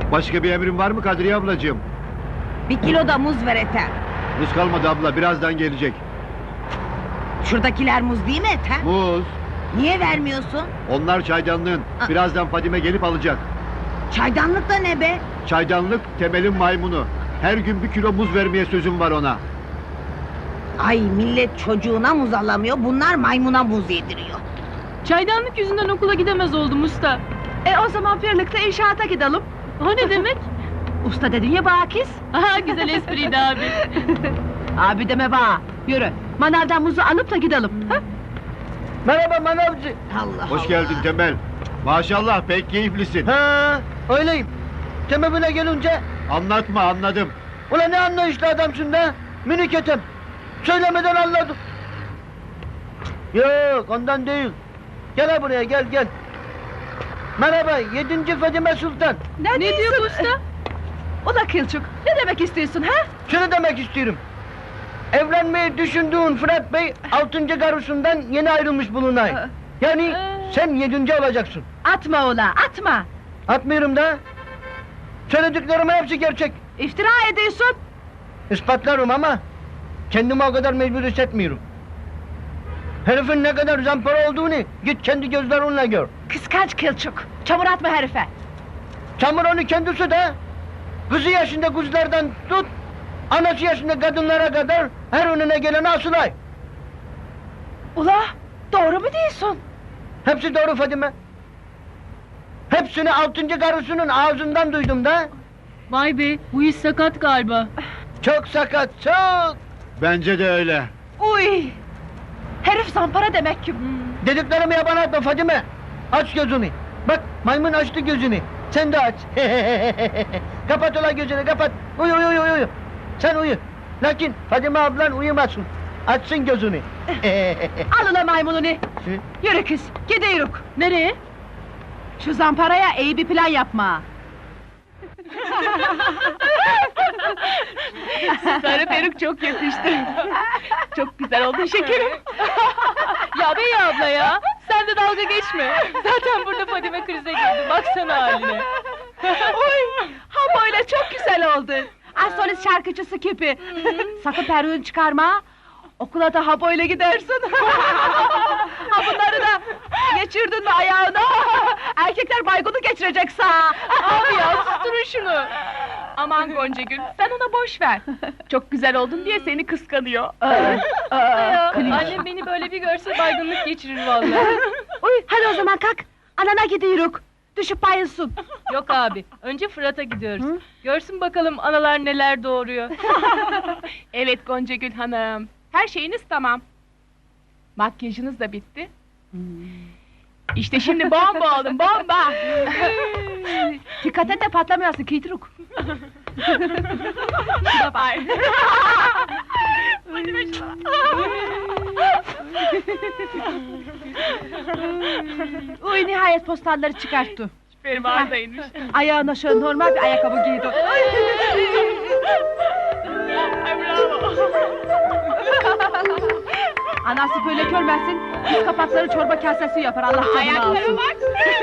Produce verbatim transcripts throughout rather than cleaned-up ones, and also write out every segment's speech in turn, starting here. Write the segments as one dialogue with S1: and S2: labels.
S1: Başka bir emrin var mı Kadriye ablacığım?
S2: Bir kilo da muz ver Ethem.
S1: Muz kalmadı abla, birazdan gelecek.
S2: Şuradakiler muz değil mi Ethem?
S1: Muz.
S2: Niye vermiyorsun?
S1: Onlar çaydanlığın. Birazdan Fadime gelip alacak.
S2: Çaydanlık da ne be?
S1: Çaydanlık Temel'in maymunu. Her gün bir kilo muz vermeye sözüm var ona.
S2: Ay millet çocuğuna muz alamıyor, bunlar maymuna muz yediriyor.
S3: Çaydanlık yüzünden okula gidemez oldum usta.
S2: E o zaman birlikte inşaata gidelim.
S3: O ne demek?
S2: Usta dedin ya Bakis.
S3: Aha, güzel espriydi abi.
S2: Abi deme bana. Yürü, manavdan muzu alıp da gidelim. Ha?
S4: Merhaba manavcı.
S2: Allah
S1: Hoş
S2: Allah.
S1: geldin Temel. Maşallah pek keyiflisin.
S4: Ha, öyleyim. Temebine gelince,
S1: Anlatma, anladım.
S4: ulan ne anlayışlı adamsın da, minik etem. Söylemeden anladım. Yok, ondan değil. Gel ha buraya, gel gel. Merhaba, yedinci Fadime Sultan.
S3: Ne, ne diyor bu usta?
S2: Ula Kılçık, ne demek istiyorsun ha?
S4: Şunu demek istiyorum. Evlenmeyi düşündüğün Fırat Bey, altıncı karısından yeni ayrılmış bulunay.
S2: Aa.
S4: Yani
S3: Ee.
S4: sen yedinci olacaksın.
S2: Atma ula, atma.
S4: Atmıyorum da. Söylediklerimin hepsi gerçek.
S2: İftira ediyorsun.
S4: İspatlarım ama kendimi o kadar mecbur hissetmiyorum. Herifin ne kadar zampara olduğunu git kendi gözlerinle gör.
S2: Kıskanç Kılçık, çamur atma herife.
S4: Çamur onu kendisi de kızı yaşında kızlardan tut, anası yaşında kadınlara kadar her önüne geleni asılay.
S2: Ula, doğru mu diyorsun?
S4: Hepsi doğru Fadime. Hepsini altıncı karısının ağzından duydum da.
S3: Vay be, bu iş sakat galiba.
S4: Çok sakat, çok.
S1: Bence de öyle.
S2: Uy! Herif zampara demek ki.
S4: Dediklerimi yabana atma Fadime. Aç gözünü. Bak maymun açtı gözünü. Sen de aç. Kapat ulan gözünü kapat. Uyu uyu uyu uyu. Sen uyu. Lakin Fadime ablan uyumasın. Açsın gözünü.
S2: Al ula maymununu. Yürü kız, gidiyoruz.
S3: Nereye?
S2: Şu zamparaya iyi bir plan yapma.
S3: Sarı peruk çok yakıştı. Çok güzel oldun şekerim. Ya Bey abla ya, sen de dalga geçme. Zaten burada Fadime krize girdi, baksana haline.
S2: Uy! Ha böyle çok güzel oldun. Az solist şarkıcısı gibi. Sakın peruğunu çıkarma. Okula da ha böyle gidersin. Ha bunları da geçirdin mi ayağına? Erkekler baygını geçirecek sağ.
S3: Abi ya, susturun şunu. Aman Goncagül, sen ona boş ver. Çok güzel oldun diye seni kıskanıyor. Ya, annem beni böyle bir görse baygınlık geçirir vallahi.
S2: Uy, hadi o zaman kalk. Anana gidiyoruz. Düşüp bayılsın.
S3: Yok abi, önce Fırat'a gidiyoruz. Görsün bakalım analar neler doğuruyor. Evet Goncagül hanım, her şeyiniz tamam. Makyajınız da bitti. İşte şimdi bomba oldum, bomba!
S2: Dikkat et de patlamayasın Kıytıruk.
S3: Şuna bak!
S2: Uy nihayet postalları çıkarttı.
S3: Benim ağırdaymış.
S2: Ayağına şöyle normal bir ayakkabı giydi.
S3: Ay bravo!
S2: Anası böyle görmesin, üst kapakları çorba kasesi yapar, Allah canını
S3: Ayaklara
S2: alsın.
S3: bak!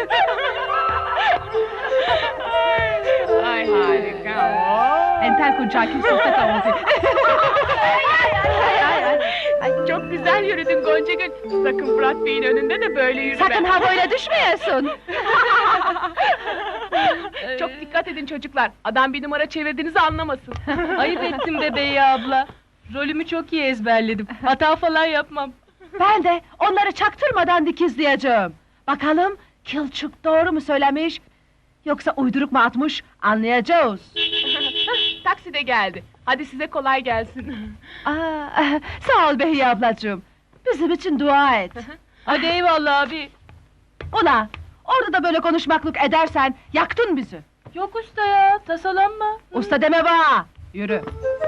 S3: Ay harika!
S2: Entel kuncakim sohbet avuzi.
S3: Çok güzel yürüdün Goncagül. Sakın Fırat Bey'in önünde de böyle yürüme.
S2: Sakın ha böyle düşmeyesin.
S3: Çok dikkat edin çocuklar. Adam bir numara çevirdiğinizi anlamasın. Ayıp ettim bebeği abla. Rolümü çok iyi ezberledim. Hata falan yapmam.
S2: Ben de onları çaktırmadan dikizleyeceğim. Bakalım Kılçık doğru mu söylemiş, yoksa uyduruk mu atmış, anlayacağız.
S3: Taksi de geldi. Hadi size kolay gelsin.
S2: Aa, sağ ol Behiye ablacığım. Bizim için dua et.
S3: Hadi eyvallah abi.
S2: Ula, orada da böyle konuşmaklık edersen yaktın bizi.
S3: Yok usta ya, tasalanma.
S2: Usta deme bana. Yürü.